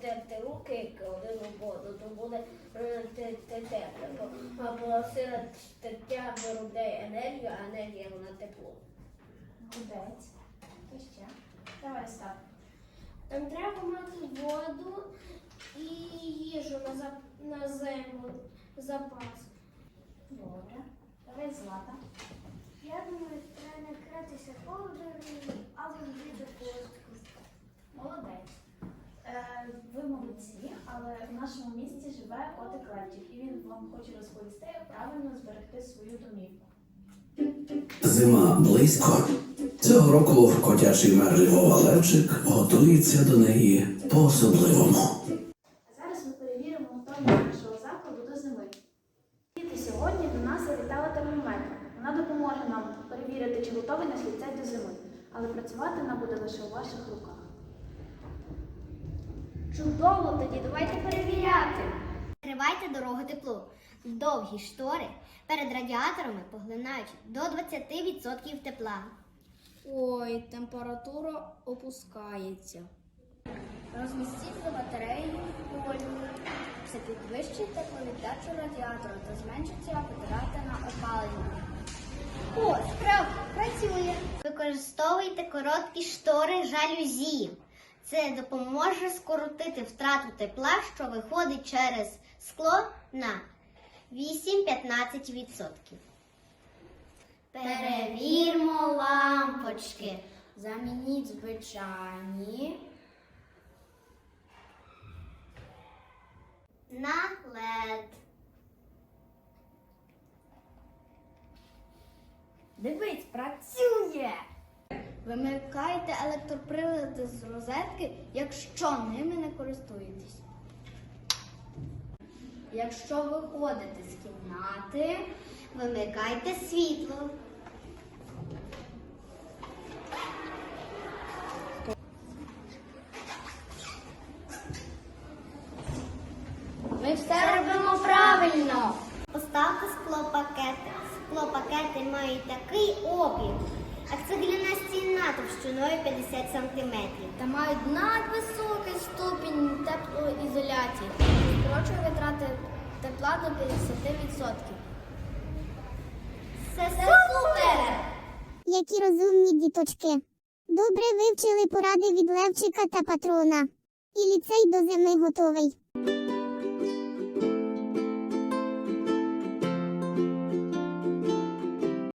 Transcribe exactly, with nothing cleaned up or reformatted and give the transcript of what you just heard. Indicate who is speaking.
Speaker 1: терти руки один у воду, то буде тепло. Або сила тертя виробляє енергію, а енергія вона тепло.
Speaker 2: Молодець. Хто ще? Давай, Став.
Speaker 1: Там треба мати воду і їжу на, зап... на зиму, запас.
Speaker 2: Добре. Давай, Злата.
Speaker 1: Я думаю, треба накритися ковдрою або вдіти куртку.
Speaker 2: Молодець. Е, ви молодці, але в нашому місті живе котик Левчик, і він вам хоче розповісти, як правильно зберегти свою домівку.
Speaker 3: Зима близько. Цього року котячий мер Львова Левчик готується до неї по-особливому.
Speaker 2: А зараз ми перевіримо готовність нашого закладу до зими. Діти, сьогодні до нас завітала термометр. Вона допоможе нам перевірити, чи готовий наш ліцей до зими. Але працювати вона буде лише у ваших руках.
Speaker 1: Чудово, тоді давайте перевіряти.
Speaker 4: Відкривайте дорогу теплу. Довгі штори перед радіаторами поглинають до двадцяти відсотків тепла.
Speaker 5: Ой, температура опускається.
Speaker 4: Розмістіть за батареєю полю. Це підвищить тепловіддачу радіатора та зменшиться витрати на опалення. О, справді, працює! Використовуйте короткі штори жалюзі. Це допоможе скоротити втрату тепла, що виходить через скло на вісім-п'ятнадцять відсотків. Перевірмо лампочки.
Speaker 5: Замініть звичайні
Speaker 4: на лед.
Speaker 5: Дивись, працює!
Speaker 4: Вимикайте електроприлади з розетки, якщо ними не користуєтесь. Якщо виходите з кімнати, вимикайте світло.
Speaker 5: Ми все робимо правильно!
Speaker 4: Поставте склопакети. Склопакети мають такий опір, як цегляна стіна товщиною п'ятдесят сантиметрів.
Speaker 5: Та мають надвисокий ступінь теплоізоляції. Скорочує витрати тепла до п'ятдесят відсотків.
Speaker 4: Це супер!
Speaker 6: Які розумні діточки. Добре вивчили поради від Левчика та патрона. І ліцей до зими готовий.